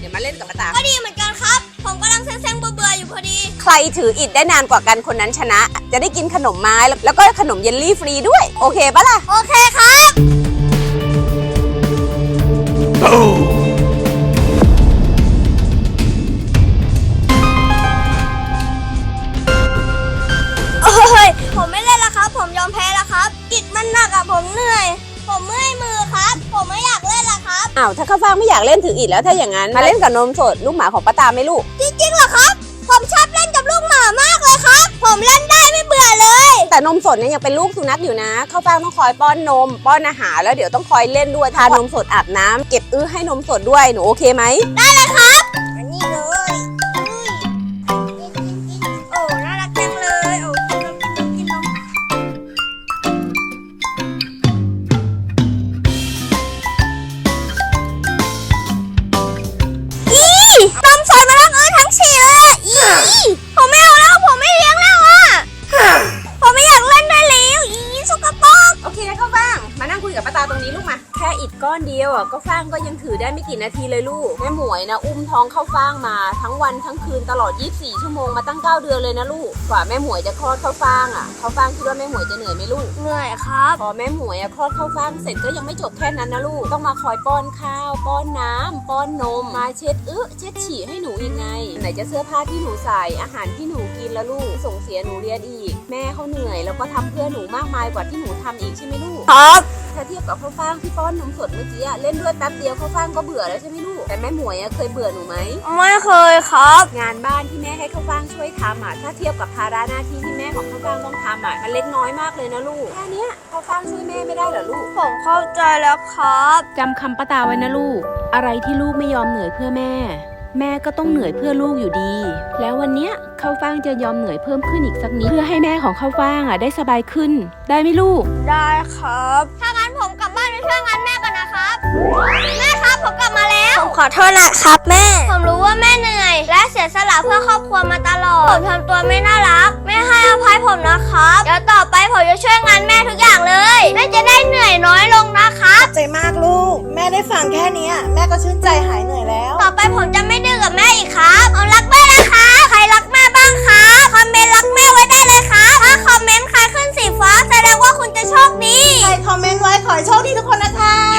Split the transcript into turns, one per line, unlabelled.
ดี๋ยวมาเล่นกับป้าตา
ก็ดีเหมือนกันครับผมกำลังเซ็งๆเบื่อๆอยู่พอดี
ใครถืออิฐได้นานกว่ากันคนนั้นชนะ จะได้กินขนมไม้แล้วก็ขนมเยลลี่ฟรีด้วยโอเคปะล่ะ
โอเคครับโอ้ยผมไม่เล่นแล้วครับผมยอมแพ้แล้วครับอิฐมันหนักอะผมเหนื่อยผมเมื่อยมือครับผมไม่อยากเล่นแล้วครับ
อ้าวถ้าข้าวฟ่างไม่อยากเล่นถืออิฐแล้วถ้าอย่างนั้นมาเล่นกับนมสดลูกหมาของป้าตาไหมลูก
จริงๆเหรอครับผมชอบเล่นกับลูกหมามากเลยครับผมเล่นได้ไม่เบื่อเลย
แต่นมสดเนี่ยยังเป็นลูกสุนัขอยู่นะข้าวฟ่างต้องคอยป้อนนมป้อนอาหารแล้วเดี๋ยวต้องคอยเล่นด้วยทานมสดอาบน้ำเก็บให้นมสดด้วยหนูโอเคไหม
ได้เลยครับอันนี้เลยโอ้น่ารักจังเลยโอ้กินนมนมสดมาทั้งฉี่เลยผมไม่เอาแล้วผมไม่เลี้ยงแล้วผมไม่อยากเล่นได้แล้วสกปรก
โอเคข้าวฟ่างมานั่งคุยกับป้าตาตรงนี้ลูกมาแค่อิฐก้อนเดียวข้าวฟ่างก็ยังถือได้ไม่กี่นาทีเลยลูกแม่หมวยนะอุ้มท้องข้าวฟ่างมาทั้งวันทั้งคืนตลอด24ชั่วโมงมาตั้ง9เดือนเลยนะลูกกว่าแม่หมวยจะคลอดข้าวฟ่างข้าวฟ่างคิดว่าแม่หมวยจะเหนื่อยไหมลูก
เหนื่อยครับ
พอแม่หมวยคลอดข้าวฟ่างเสร็จก็ยังไม่จบแค่นั้นนะลูกต้องมาคอยป้อนข้าวป้อนน้ำป้อนนมมาเช็ดเช็ดฉี่ให้หนูอีกไงไหนจะเสื้อผ้าที่หนูใส่อาหารที่หนูกินแล้วลูกส่งเสียหนูเรียนอีกแม่เขาเหนื่อยแล้วก็ทำเพื่อหนูมากมายกว่าที่หนูทำอีกใช่ไหมลูก
ครับ
ถ้าเทียบกับข้าวฟ่างที่ป้อนนมสดเมื่อกี้เล่นด้วยแป๊บเดียวข้าวฟ่างก็เบื่อแล้วใช่ไหมลูกแต่แม่หมวยเคยเบื่อหนูไหม
ไม่เคยครับ
งานบ้านที่แม่ให้ข้าวฟ่างช่วยทำถ้าเทียบกับภาระหน้าที่ที่แม่ของข้าวฟ่างต้องทำมันเล็กน้อยมากเลยนะลูกแค่นี้ข้าวฟ่างช่วยแม่ไม่ได้เหรอลูก
ผมเข้าใจแล้วครับ
จำคำป้าตาไว้นะลูกอะไรที่ลูกไม่ยอมเหนื่อยเพื่อแม่แม่ก็ต้องเหนื่อยเพื่อลูกอยู่ดีแล้ววันเนี้ยข้าวฟ่างจะยอมเหนื่อยเพิ่มขึ้นอีกสักนิดเพื่อให้แม่ของข้าวฟ่างได้สบายขึ้นได้ไหมลูก
ได้ครับถ้างั้นผมกลับบ้านไปช่วยงานแม่ก่อนนะครับแม่ครับผมกลับมาแล้วผมขอโทษนะครับแม่ผมรู้ว่าแม่เหนื่อยและเสียสละเพื่อครอบครัวมาตลอดผมทำตัวไม่น่ารักแม่ให้อภัยผมนะครับเดี๋ยวต่อไปผมจะช่วยงานแม่ทุกอย่างเลยแม่จะได้เหนื่อยน้อยลงนะครับ
ใจมากลูกแม่ได้ฟังแค่นี้แม่ก็ชื่นใจหายเหนื่อยแล้ว
ต่อไปผมจะไม่ดื้อกับแม่อีกครับผมรักแม่นะคะใครรักแม่บ้างคะคอมเมนต์รักแม่ไว้ได้เลยครับถ้าคอมเมนต์ใครขึ้นสีฟ้าแสดงว่าคุณจะโชคดี
ใครคอมเมนต์ไว้ขอให้โชคดีทุกคนนะคะ